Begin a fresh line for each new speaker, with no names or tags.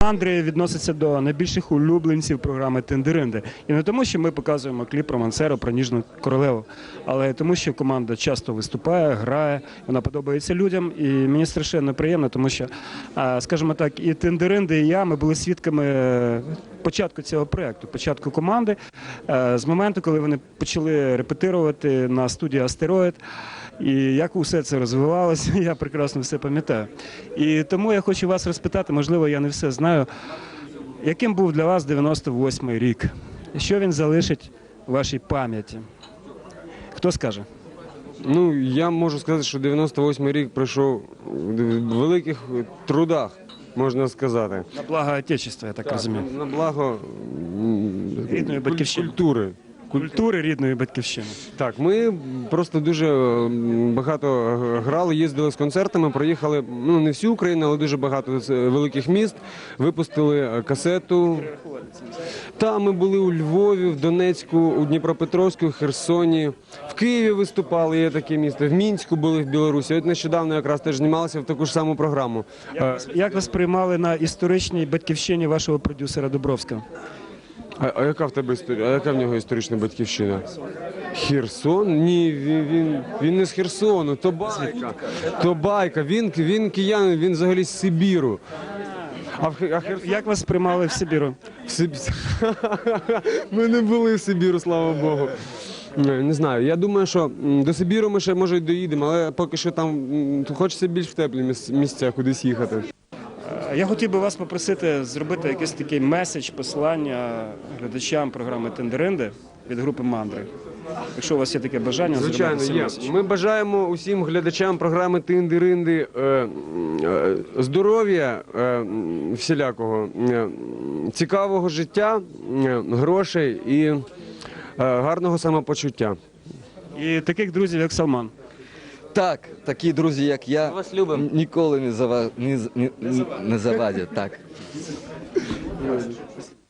Андрій відноситься до найбільших улюбленців програми «Тендеринди». І не тому, що ми показуємо кліп про Мансеру, про Ніжну королеву, але тому, що команда часто виступає, грає, вона подобається людям. І мені страшенно приємно, тому що, скажімо так, і «Тендеринди», і я, ми були свідками початку цього проєкту, початку команди, з моменту, коли вони почали репетирувати на студії «Астероїд». І як усе це розвивалося, я прекрасно все пам'ятаю. І тому я хочу вас розпитати, можливо, я не все знаю, яким був для вас 98-й рік? Що він залишить у вашій пам'яті? Хто скаже?
Ну, я можу сказати, що 98-й рік пройшов в великих трудах, можна сказати.
На благо Отечества, я так розумію.
На благо
Рідної батьківщини.
Культури
рідної батьківщини.
Так, ми просто дуже багато грали, їздили з концертами, проїхали, ну, не всю Україну, але дуже багато великих міст, випустили касету. Та, ми були у Львові, в Донецьку, у Дніпропетровську, в Херсоні, в Києві виступали, є таке місто, в Мінську були, в Білорусі. От нещодавно якраз теж знімалися в таку ж саму програму.
Як вас приймали на історичній батьківщині вашого продюсера Дубровського?
А яка в тебе історія? А яка в нього історична батьківщина? Херсон? Ні, він не з Херсону, то байка. То байка. Він киянин, він взагалі з Сибіру.
Як вас приймали в Сибіру?
Ми не були в Сибіру, слава Богу. Не знаю, я думаю, що до Сибіру ми ще, може, й доїдемо, але поки що там хочеться більш в теплі місця кудись їхати.
Я хотів би вас попросити зробити якийсь такий меседж, послання глядачам програми «Тендеринди» від групи «Мандри». Якщо у вас є таке бажання,
звичайно,
зробити цей меседж.
Ми бажаємо усім глядачам програми «Тендеринди» здоров'я всілякого, цікавого життя, грошей і гарного самопочуття.
І таких друзів, як Салман.
Так, такі друзі, як я,
Вас любимо.
ніколи не завадять. Так.